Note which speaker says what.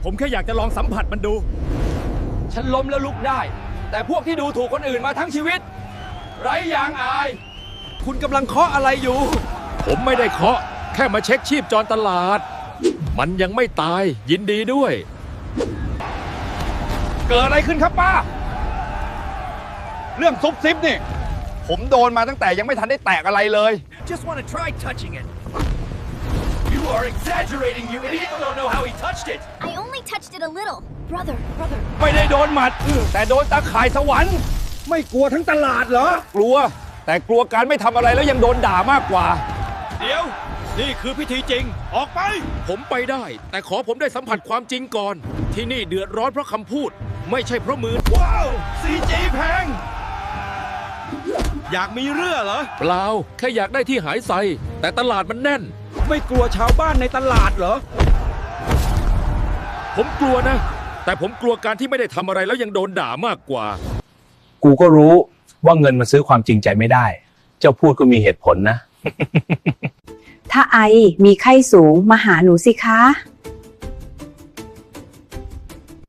Speaker 1: ผมแค่อยากจะลองสัมผัสมันดู
Speaker 2: ฉันล้มแล้วลุกได้ แต่พวกที่ดูถูกคนอื่นมาทั้งชีวิต ไร้ยางอาย
Speaker 1: คุณกำลังเคาะอะไรอยู่ ผมไม่ได้เคาะ แค่มาเช็คชีพจรตลาด มันยังไม่ตาย ยินดีด้วย
Speaker 2: เกิดอะไรขึ้นครับป้า เรื่องซุบซิบนี่ ผมโดนมาตั้งแต่ยังไม่ทันได้แตกอะไรเลย
Speaker 1: Just want to try touching it
Speaker 3: You are exaggerating, you idiot! You don't know how he touched it!
Speaker 4: I only touched it a little. Brother.
Speaker 2: ไม่ได้โดนหมัด แต่โดนตาข่ายสวรรค์
Speaker 1: ไม่กลัวทั้งตลาดเหรอ
Speaker 2: กลัว แต่กลัวการไม่ทำอะไรแล้วยังโดนด่ามากกว่า
Speaker 1: เดี๋ยว นี่คือพิธีจริง ออกไป ผมไปได้ แต่ขอผมได้สัมผัสความจริงก่อน ที่นี่เดือดร้อนเพราะคำพูด ไม่ใช่เพราะมือ
Speaker 2: ว้าว CG แพง
Speaker 1: อยากมีเรื่องเหรอ เปล่า แค่อยากได้ที่หายใส่ แต่ตลาดมันแน่น ไม่กลัวชาวบ้านในตลาดเหรอ ผมกลัวนะ แต่ผมกลัวการที่ไม่ได้ทำอะไรแล้วยังโดนด่ามากกว่า
Speaker 5: กูก็รู้ว่าเงินมันซื้อความจริงใจไม่ได้ เจ้าพูดก็มีเหตุผลนะ
Speaker 6: ถ้าไอมีไข้สูงมาหาหนูสิคะ